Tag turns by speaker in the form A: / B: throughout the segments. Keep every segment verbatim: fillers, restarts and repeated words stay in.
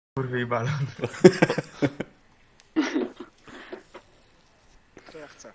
A: Kurwy i balon.
B: To ja chcę.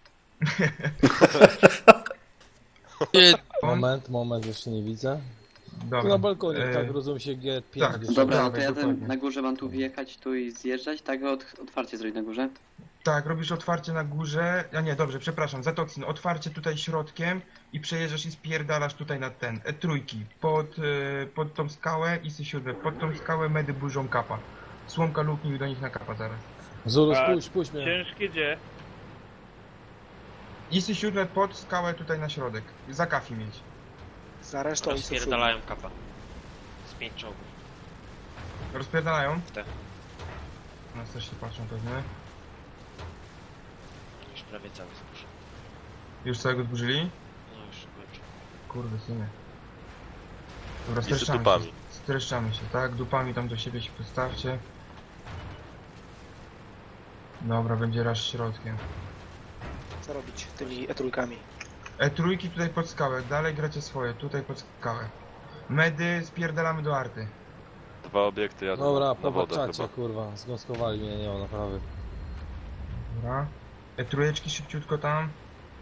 C: Moment, moment, jeszcze nie widzę.
A: Dobra.
C: Tu na balkonie,
A: e,
C: tak rozumiem się G pięć.
A: tak.
C: jeszcze.
D: Dobra, no to
A: Dawaj,
D: ja
A: dokładnie.
D: ten, na górze mam tu wjechać, tu i zjeżdżać, tak? Od, otwarcie zrobić na górze.
A: Tak, robisz otwarcie na górze. A nie, dobrze, przepraszam, za toksyn. Otwarcie tutaj środkiem i przejeżdżasz i spierdalasz tutaj na ten. E, trójki. Pod, e, pod tą skałę i sy siódme. Pod tą skałę medy burzą kapa. Słomka luknij do nich na kapa zaraz.
C: Zulu,
E: A,
C: spójrz, spójrz mnie.
E: Ciężkie gdzie?
A: I sy siódme pod skałę tutaj na środek. Za kafi mieć.
B: Za resztą i
F: Rozpierdalają kapa. Z pięć czołgów.
A: Rozpierdalają?
F: Tak.
A: Nas też się patrzą pewnie.
F: Już prawie cały zbóż.
A: Już całego zburzyli?
F: No już kończę.
A: Kurde, synie. Dobra,
G: I z
A: streszczamy się.
G: dupami.
A: Streszczamy się, tak? Dupami tam do siebie się postawcie. Dobra, będzie raz środkiem.
B: Co robić tymi e-trójkami?
A: E, trójki tutaj pod skałę, dalej gracie swoje, tutaj pod skałę. Medy spierdalamy do arty.
G: Dwa obiekty jadą
C: Dobra,
G: na
C: po
G: wodę
C: czacie,
G: chyba.
C: kurwa, zgąskowali mnie, nie ma naprawy.
A: Dobra. E, trójeczki szybciutko tam.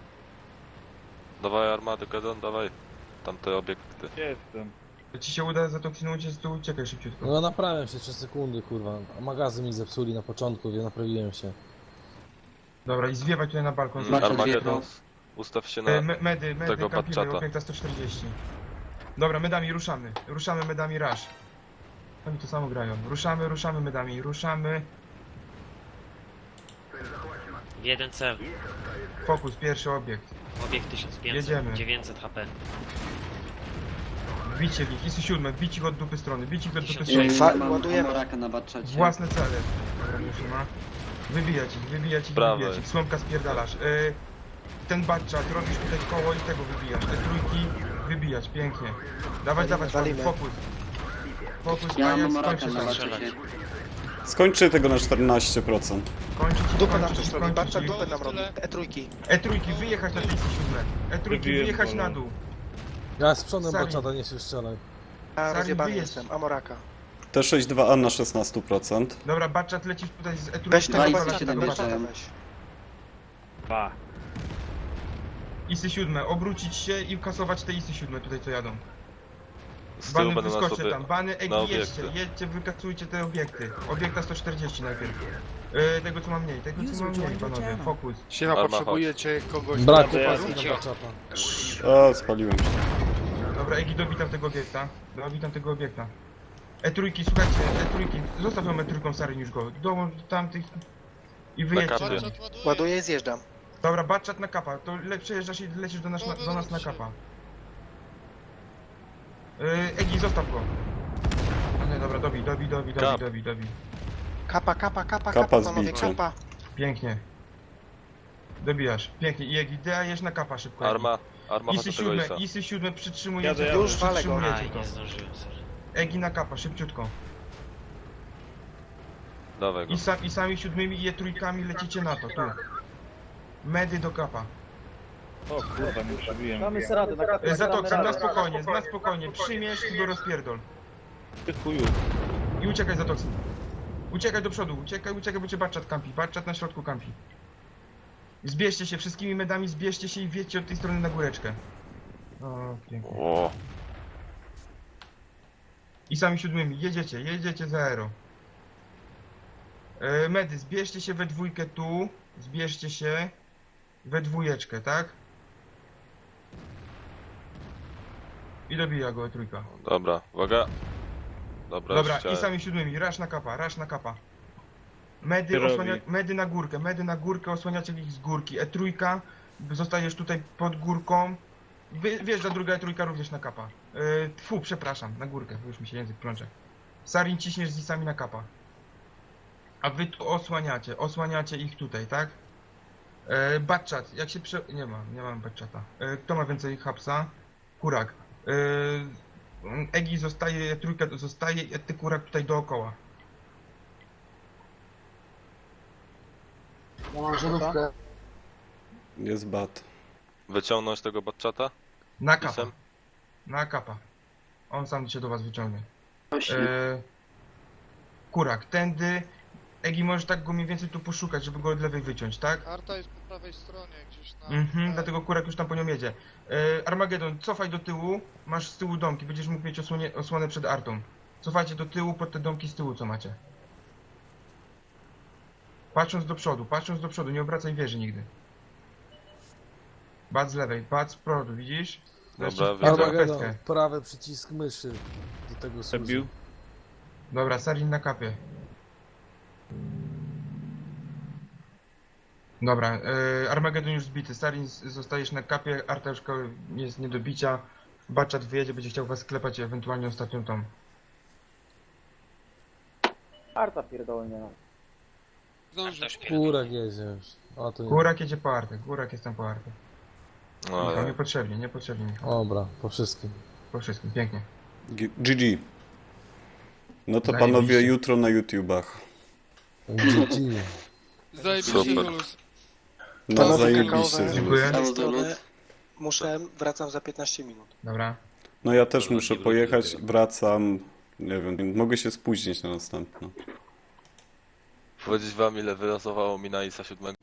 G: Dawaj armady, Kedon, dawaj. Tamte obiekty.
E: Gdzie jestem?
A: Jak ci się uda za toksiną uciec, to uciekaj szybciutko.
C: No naprawiam się trzy sekundy, kurwa. A magazyn mi zepsuli na początku, więc naprawiłem się.
A: Dobra, i zwiewaj tutaj na balkon.
D: Zobacz,
G: Armagedon, ustaw się na...
A: E, me, medy, medy,
G: tego
A: kampimy,
G: Batchata.
A: opiekta sto czterdzieści. Dobra, medami ruszamy. Ruszamy medami rush. Oni to samo grają. Ruszamy, ruszamy medami, ruszamy.
F: W jeden cel.
A: Fokus, pierwszy obiekt.
F: Obiekt tysiąc pięćset.
A: Jedziemy.
F: dziewięćset H P.
A: Wbicie w nich, isy siódme, wbić ich od dupy strony, wbić ich od dupy
F: Tysiąc
A: strony.
D: Yy,
B: fa-
D: mam
B: ładujemy.
D: Amoraka na Batchacie.
A: Własne cele. Dobra, już nie ma. Wybijać ich, wybijać ich,
G: Prawej.
A: wybijać ich. Słomka spierdalasz. Y, ten batchat, robisz tutaj koło i tego wybijasz. Te trójki wybijać, pięknie. Dawać, dawać,
B: walimy.
A: fokus. Fokus,
D: Ja
A: a
D: mam
A: ja
D: Amoraka
A: skończę
D: na
A: tam.
D: Batchacie.
H: Skończcie tego na czternaście procent.
A: Kończyć ich,
B: Dupę nam
A: kończyć
B: coś
A: ich,
B: robi,
A: kończyć
B: babcia
A: ich.
B: dupę nam robi. E-trójki.
A: E trójki, wyjechać na tisy siódme. E trójki,
E: Wybiłem
A: wyjechać
E: bolą.
A: na dół.
C: Ja z przodem
A: Sami.
C: baczata nie się strzelaj.
B: Ja
A: Sami
B: rozjebany
A: wyjedź.
B: jestem, Amoraka.
H: T sześćdziesiąt dwa A na szesnaście procent.
A: Dobra, batchat lecisz tutaj z e trójki.
B: Weź tego
D: Dwa i
B: Batchata,
D: siedem
B: tego
D: leciałem.
B: Batchata weź.
E: Dwa.
A: Isy siódme, obrócić się i kasować te isy siódme tutaj co jadą.
G: Z tyłu
A: Bany
G: będą nas
A: wyskoczcie
G: obie...
A: tam, bany,
G: na
A: egi, jedźcie,
G: obiekty.
A: jedźcie, wykasujcie te obiekty. Obiekta sto czterdzieści najpierw. Yy, tego co ma mniej, tego co ma mniej, panowie, fokus.
I: Siema,
G: Arma,
I: potrzebujecie kogoś
C: Brak
I: na
C: opaski
I: wyparu?
C: na baczata.
H: A, spaliłem się.
A: Dobra, egi, dobitam tego obiekta, dobitam tego obiekta. E trójki, słuchajcie, e trójki, zostaw ją e trójką stary już go, dołącz do tamtych i wyjedźcie
G: kapie.
A: do nich.
B: Ładuję i zjeżdżam.
A: Dobra, batchat na kapa, to le przejeżdżasz i lecisz do nas na, do nas na kapa. Yy, egi, zostaw go. No nie, dobra, dobij, dobij, dobij, dobij,
G: Kap.
A: dobij, dobij.
B: Kapa, kapa, kapa,
H: Kapa
B: kapa, panowie,
H: zbicie.
B: kapa.
A: Pięknie. Dobijasz. Pięknie. I jak dajesz na kapa szybko.
G: Arma, arma
A: Isy
G: chodź do tego
A: siódme,
G: Isa.
A: Isy siódme przytrzymujecie.
E: Jadę,
A: to,
E: jadę.
B: Już walę go.
A: przytrzymujecie
F: Aj,
A: to.
F: nie zdążyłem, sorry.
A: Egi na kapa, szybciutko.
G: Dawaj go.
A: I, sa, I sami siódmymi i je trójkami lecicie na to, tu. Medy do kapa.
E: O kurwa, nie przebiłem.
A: E, Za toksem, na spokojnie, na spokojnie. Przyjmiesz i go rozpierdol.
E: Ty chuju.
A: I uciekaj za toksem. Uciekaj do przodu, uciekaj, uciekaj, bo cię batchat kampi. Batchat na środku kampi. Zbierzcie się, wszystkimi medami zbierzcie się i wjedźcie od tej strony na góreczkę. O, pięknie.
G: O,
A: I sami siódmymi, jedziecie, jedziecie za aero. E, medy, zbierzcie się we dwójkę tu, zbierzcie się we dwójeczkę, tak? I dobija go trójka.
G: dobra, uwaga. Dobra,
A: Dobra,
G: już chciałem.
A: i sami siódmymi, rasz na kapa, rasz na kapa. Medy,
E: Ty robi.
A: osłania, medy na górkę, medy na górkę, osłaniacie ich z górki. E trójka, zostajesz tutaj pod górką. Wy, wjeżdża druga E trójka również na kapa. Yy, fu, przepraszam, na górkę, bo już mi się język plącze. Sarin ciśniesz z isami na kapa. A wy tu osłaniacie, osłaniacie ich tutaj, tak? Yy, Batchat, jak się prze... nie ma, nie mam Batchata. Yy, kto ma więcej hapsa? Kurak. Yy, Egi zostaje, E trójka zostaje, a ty kurak tutaj dookoła.
H: Jest bat.
G: Wyciągnąć tego batchata?
A: Na kapa.
G: Isem?
A: Na kapa. On sam się do was wyciągnie.
D: Osi.
A: Yy, Kurak, tędy. Egi, możesz tak go mniej więcej tu poszukać, żeby go od lewej wyciąć, tak?
I: Arta jest po prawej stronie, gdzieś na...
A: Mhm,
I: na-
A: dlatego Kurak już tam po nią jedzie. E, Armagedon, cofaj do tyłu, masz z tyłu domki, będziesz mógł mieć osłonie, osłonę przed Artą. Cofajcie do tyłu, pod te domki z tyłu, co macie. Patrząc do przodu, patrząc do przodu, nie obracaj wieży nigdy. Bat z lewej, bat z przodu, widzisz?
G: Dobra,
A: Wreszcie
G: widzę.
A: wpadła
C: Armagedon,
A: pestkę.
C: prawy przycisk myszy do tego służy.
E: Zabił.
A: Dobra, Sarin na kapie. Dobra, e, Armagedon już zbity, Sarin z- zostajesz na kapie, Arta już ko- jest nie do bicia. Baczat wyjedzie, będzie chciał was sklepać, ewentualnie ostatnią tą.
J: Arta pierdolnie.
I: Zdążył.
F: Też pierdolę.
C: Kurak jedzie już. A to nie.
A: Górak jedzie po Artę, Górak jest tam po Artę.
G: No,
A: Michał,
G: ale...
A: niepotrzebnie, niepotrzebnie Michał.
C: Dobra, po wszystkim.
A: Po wszystkim, pięknie.
H: G- G G. No to
A: Zajebiście.
H: panowie jutro na YouTubach.
C: G G.
I: Zajebiście,
G: Super.
I: Zulus.
H: No
B: Panowie
H: zajebiście.
B: kakaowe.
A: Dziękuję.
B: Z tej
D: Brawo,
B: strony
D: Zulus.
B: muszę, wracam za piętnaście minut.
A: Dobra.
H: No ja też muszę pojechać, wracam. Nie wiem, mogę się spóźnić na następną.
G: Powiedzieć wam ile wylosowało mi na I S A siedem?